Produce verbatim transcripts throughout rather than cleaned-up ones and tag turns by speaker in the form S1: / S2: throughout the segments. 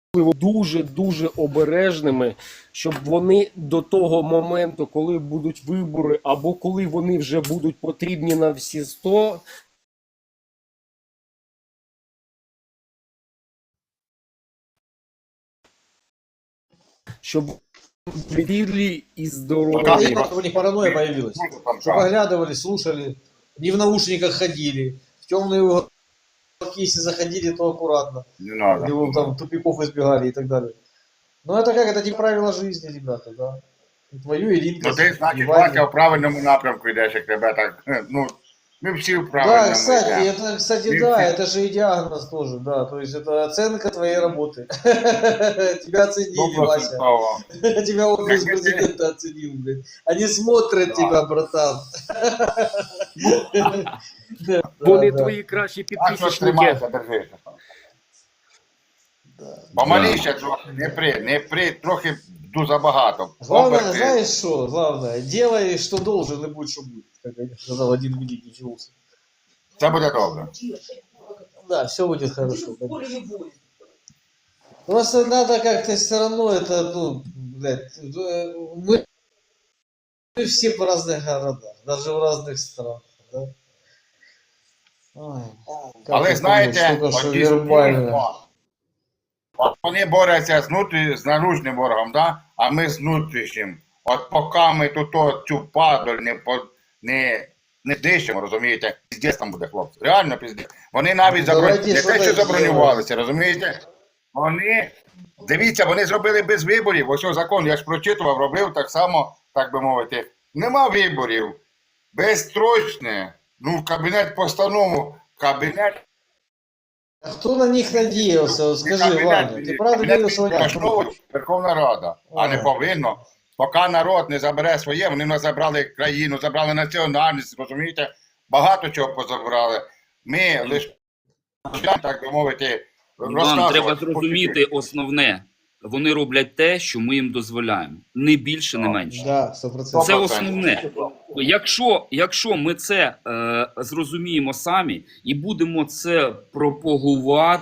S1: дуже-дуже обережними, щоб вони до того моменту, коли будуть вибори, або коли вони вже будуть потрібні на всі сто, щоб вірили и здоровы.
S2: Ну, у них паранойя появилась. Что поглядывали, слушали, не в наушниках ходили, в темные уголки, если заходили, то аккуратно.
S3: Не надо.
S2: Или там тупиков избегали и так далее. Ну это как, это не правила жизни, ребята, да. И твою Иринку.
S3: Ну ти, значить, Вася, в правильному напрямку йдеш, як тебе так, ну, ми всі в правильному.
S2: Да, кстати,
S3: йдемо.
S2: это, кстати,
S3: Мы
S2: да,
S3: все...
S2: это же и диагноз тоже, да, то есть это оценка твоей работы. Тебя оценили, Вася. Тебя офис президента оценил, блядь. Они смотрят тебя, братан.
S1: Вони твої кращі
S3: А що
S1: підписники.
S3: тримайся, держися. Помаліше трохи, не при, не при, трохи ду забагато.
S2: Главное,
S3: Оберти.
S2: знаешь что, главное, делай, что должен, и будь, что будет, как сказал один великий философ.
S3: Це буде добре.
S2: Да, все будет хорошо. Просто надо как-то все равно это, ну, блядь, мы, мы все по разных городах, даже в разных странах, да? Ой, как
S3: Але
S2: это
S3: знаєте,
S2: понять, только что
S3: оті
S2: вербально.
S3: от вони борються з, внутрі, з наружним ворогом, да? А ми з внутрішнім. От поки ми тут о, цю падаль не, по, не, не дишимо, розумієте, піздець там буде, хлопці. Реально піздець. Вони навіть заброню... не те, що забронювалися, розумієте? Вони, дивіться, вони зробили без виборів. Ось закон, я ж прочитував, робив так само, так би мовити. Нема виборів. Безстрочне. Ну, кабінет постанову, кабінет...
S2: А кто на них надеялся? Вот скажи, Ваня, ты правда верил, что они...
S3: Верховна Рада, а не повинно. Поки народ не забере своє, вони нас забрали країну, забрали національність, розумієте? Багато чого позабрали. Ми лише, так би мовити,
S4: Іван, треба зрозуміти основне. Вони роблять те, що ми їм дозволяємо. Не більше, не менше.
S2: Да, сто процентов.
S4: Це основне. Якщо, якщо ми це е, зрозуміємо самі і будемо це пропагувати,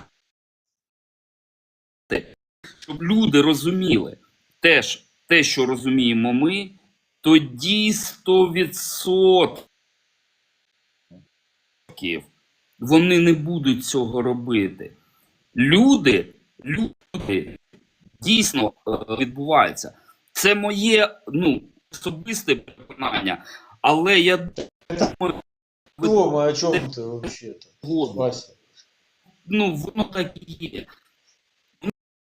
S4: щоб люди розуміли теж те, що розуміємо ми, тоді сто відсотків вони не будуть цього робити. Люди, люди дійсно відбуваються. Це моє, ну, особисте переконання, але я думаю,
S2: Дома, о чем ты вообще-то, Вася?
S4: ну, воно так і є.